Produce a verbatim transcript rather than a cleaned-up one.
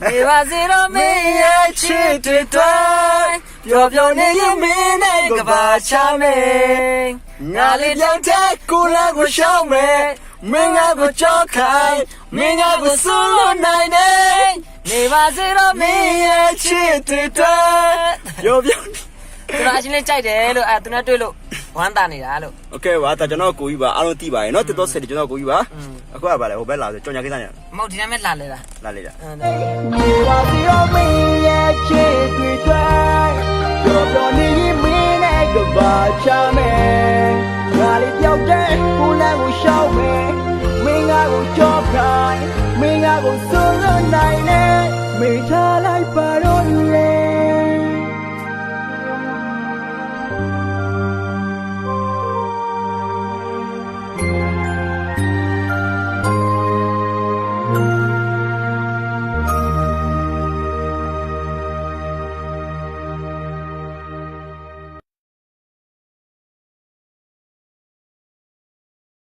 နေပါစေတော့မင်းရဲ့ချစ်တွေတိုင်းပျော်ပျော်နေရင်မင်းနဲ့ကဘာချမယ်ငါလေးပြောင်းတဲ့ကိုလာကိုရှောင်းမယ်မင်းငါကိုကြောက်ခိုင်းမင်းငါကိုစွန့်လွတ်နိုင်နေနေပါစေတော့မင်းရဲ့ချစ်တွေတိုင်းပျော်ပျော်သူကအချင်းလေးကြိုက်တယ်လို့အဲသူနဲ့တွေ့လို့ဝမ်းသာနေတာလို့โอเคပါဒါကျွန်တော်ကိုကြီးပါအားလုံးသိပါတယ်เนาะတစ်တော့ဆက်တယ်ကျွန်တော်ကိုကြီးပါအခုကပါလေဟိုဘက်လာဆိုကြောင်ညာကိစ္စညာမဟုတ်ဒီနေ့မဲ့လာလေလားလာလေလားနေပါစီတော့မင်းရဲ့ချစ်တွေတိုင်းကြော်ကြော်နေရင်မင်းနဲ့ကဘာချမယ်ငါလေးပြောက်တဲ့ကိုလမ်းကိုရှောက်မယ်မင်းငါကိုကြောက်ခိုင်းမင်းငါကိုစွန့်လွတ်နိုင်နေမိထားလိုက်ပါတော့လေ